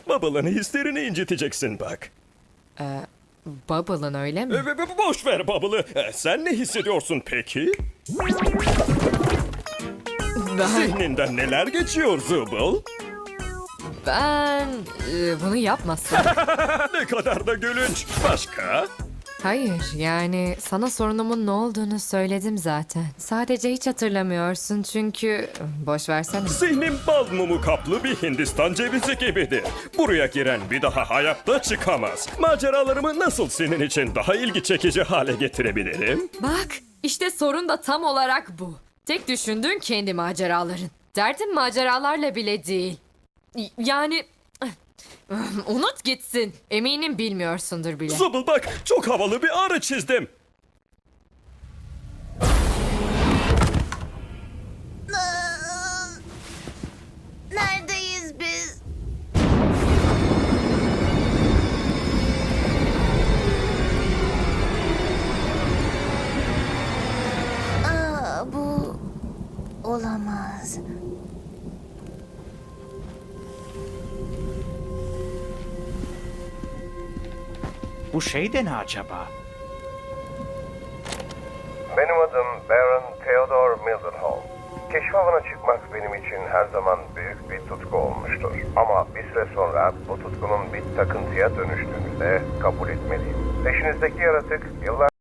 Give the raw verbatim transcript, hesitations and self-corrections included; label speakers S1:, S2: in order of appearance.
S1: Bubble'ın hislerini inciteceksin bak.
S2: Bubble'ın öyle mi?
S1: E, be- be- Boş ver Bubble'ı. E, Sen ne hissediyorsun peki?
S2: Ben,
S1: Zihninden neler geçiyor Zubul?
S2: ben e, bunu yapmasın.
S1: Ne kadar da gülünç. Başka?
S2: Hayır, yani sana sorunumun ne olduğunu söyledim zaten. Sadece hiç hatırlamıyorsun çünkü... Boş versene.
S1: Zihnim bal mumu kaplı bir Hindistan cevizi gibidir. Buraya giren bir daha hayatta çıkamaz. Maceralarımı nasıl senin için daha ilgi çekici hale getirebilirim?
S2: Bak, işte sorun da tam olarak bu. Tek düşündüğün kendi maceraların. Derdin maceralarla bile değil. Y- Yani... Unut gitsin. Eminim bilmiyorsundur bile.
S1: Zubul bak, çok havalı bir arı çizdim.
S3: Neredeyiz biz? Aa, bu olamaz.
S4: Bu şey de ne acaba?
S5: Benim adım Baron Theodore Mildenhall. Keşif avına çıkmak benim için her zaman büyük bir tutku olmuştur. Ama bir süre sonra bu tutkunun bir takıntıya dönüştüğünü de kabul etmeliyim. Peşinizdeki yaratık yıllar